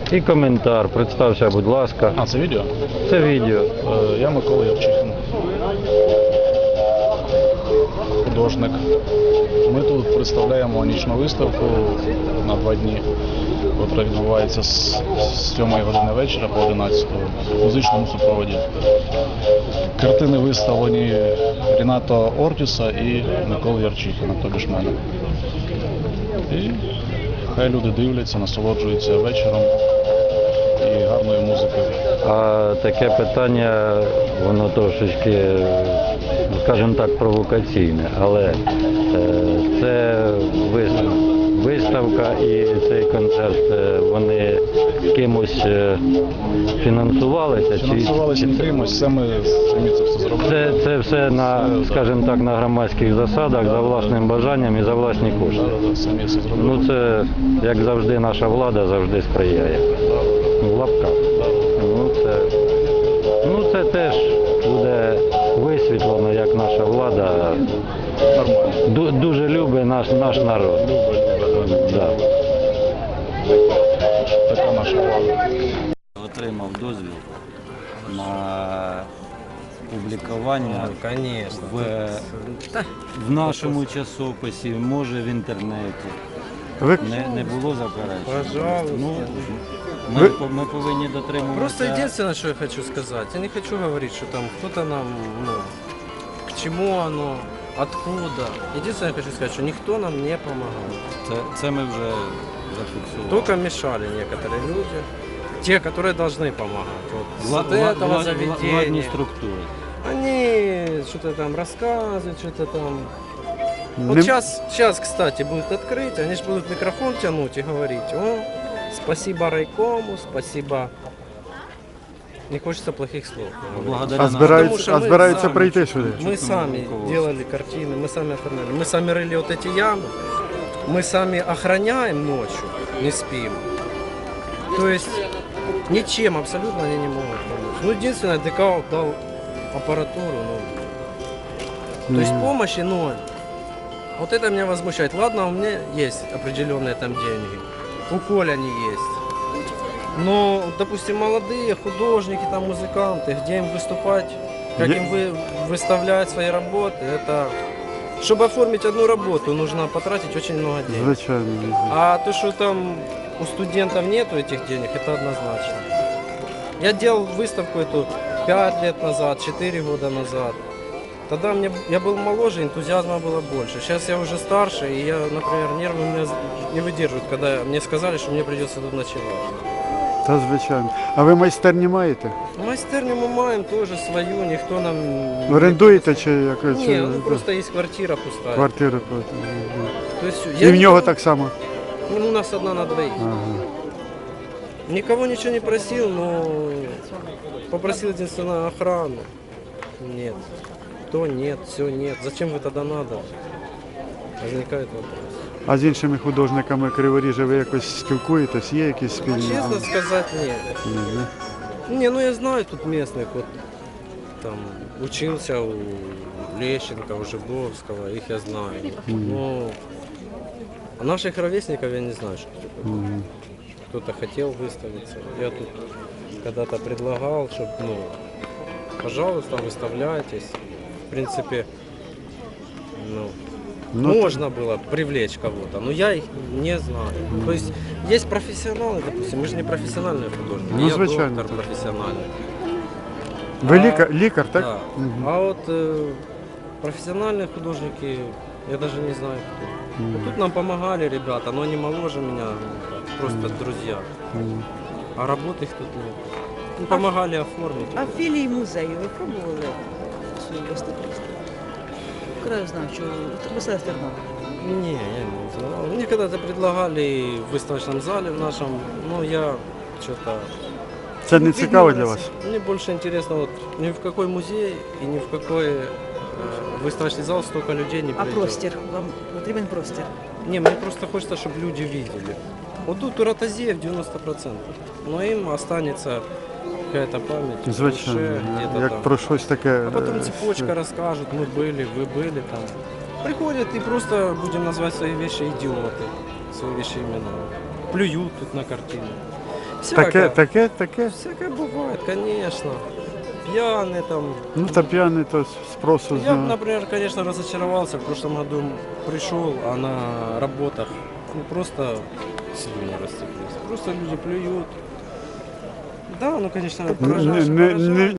І коментар. Представся, будь ласка. А, це відео? Це відео. Я Микола Ярчихін. Художник. Ми тут представляємо нічну виставку на 2 дні, яка відбувається з 7 години вечора по 11 в музичному супроводі. Картини виставлені Ріната Ортіса і Миколи Ярчихіна, тобі ж мене. І хай люди дивляться, насолоджуються вечором і гарною музикою. А таке питання, воно трошечки, скажімо так, провокаційне, але це виставка і цей концерт, вони кимось фінансувалися? Фінансувалися не кимось, самі це все зробили. Це все на, скажімо так, на громадських засадах, за власним бажанням і за власні кошти. Самі все зробили. Ну це, як завжди, наша влада завжди сприяє. В лапках. Ну це теж буде висвітлено, як наша влада дуже любить наш народ. Да. Така наша влада. Отримав дозвіл на публікування в нашому часописі, може в інтернеті. Не було заперечень. Пожалуйста. Ну, ми повинні дотримуватися. Просто единственное, что я хочу сказать, я не хочу говорить, что там кто-то нам, к чему оно, откуда. Единственное, я хочу сказать, что никто нам не помогал. Це ми вже зафіксували. Только мешали некоторые люди, те, которые должны помогать. Вот с этого Владні заведения. структури. Они что-то там рассказывают, что-то там. Вот сейчас, кстати, будет открыть, они же будут микрофон тянуть и говорить: о, спасибо райкому, спасибо. Не хочется плохих слов. Збираються прийти сюди. Мы сами делали картины, мы сами оформляли, мы сами рыли вот эти ямы, мы сами охраняем ночью, не спим. То есть ничем абсолютно они не могут помочь. Ну, единственное, ДК дал аппаратуру, то есть помощи ноль. Вот это меня возмущает. Ладно, у меня есть определенные там деньги, у Коли они есть. Но, допустим, молодые художники, там, музыканты, где им выступать, как им выставлять свои работы, это... Чтобы оформить одну работу, нужно потратить очень много денег. Звичайно. А то, что там у студентов нету этих денег, это однозначно. Я делал выставку эту 5 лет назад, 4 года назад. Тогда я был моложе, энтузиазма было больше. Сейчас я уже старше, и я, например, нервы у меня не выдерживают, когда мне сказали, что мне придется тут ночевать. Та звичайно. А ви майстерні маєте? Майстерню мы маем тоже свою, никто нам... Орендуєте чи якось? Ні, ну просто есть квартира пустая. Квартира. То есть, І в нього так само? Ну, у нас одна на двоих. Ага. Никого ничего не просил, но попросил единственное охрану. Нет. То нет, все нет. Зачем вы тогда надо? Возникает вопрос. А з іншими художниками Криворіжжя ви якось спілкуєтесь? Є якісь спільні? Честно сказать, нет. Не, ну я знаю тут местных, вот там учился у Лещенко, у Жибовского, их я знаю. Но а наших ровесников я не знаю, что такое. Кто-то хотел выставиться. Я тут когда-то предлагал, чтобы, ну, пожалуйста, выставляйтесь. В принципе, можно было привлечь кого-то, но я их не знаю. То есть есть профессионалы, допустим, мы же не профессиональные художники, Ну, я звичайно, доктор так. профессиональный. Ви лікар, так? Да. А вот профессиональные художники, я даже не знаю кто. Вот тут нам помогали ребята, но они моложе меня, просто друзья. А работы их тут нет. Ну, помогали оформить. А філії музею ви пробували свою виставку? Краєзнавчу, виставити Тернопіль? Не, я не знал. Мне когда-то предлагали в выставочном зале в нашем, но я что-то... Це не цікаво для вас? Мне больше интересно, вот ни в какой музей и ни в какой выставочный зал столько людей не А придет. простір? Вам потрібен простір? Не, мне просто хочется, чтобы люди видели. Вот тут у Ротозеев 90%, но им останется какая-то память в Звичайно, душе, где-то як там. про щось таке. А потом цепочка расскажут, мы были, вы были там. Приходят и просто, будем называть свои вещи, идиоты, свои вещи имена. Плюют тут на картину. Таке? Всякое бывает, конечно. Пьяный там. Ну та п'яний, то спросу з Я, нього. например, конечно, разочаровался. В прошлом году пришел, а на работах просто слюни растеклись. Просто люди плюют. Да, ну, конечно, Не, поражает. не, не,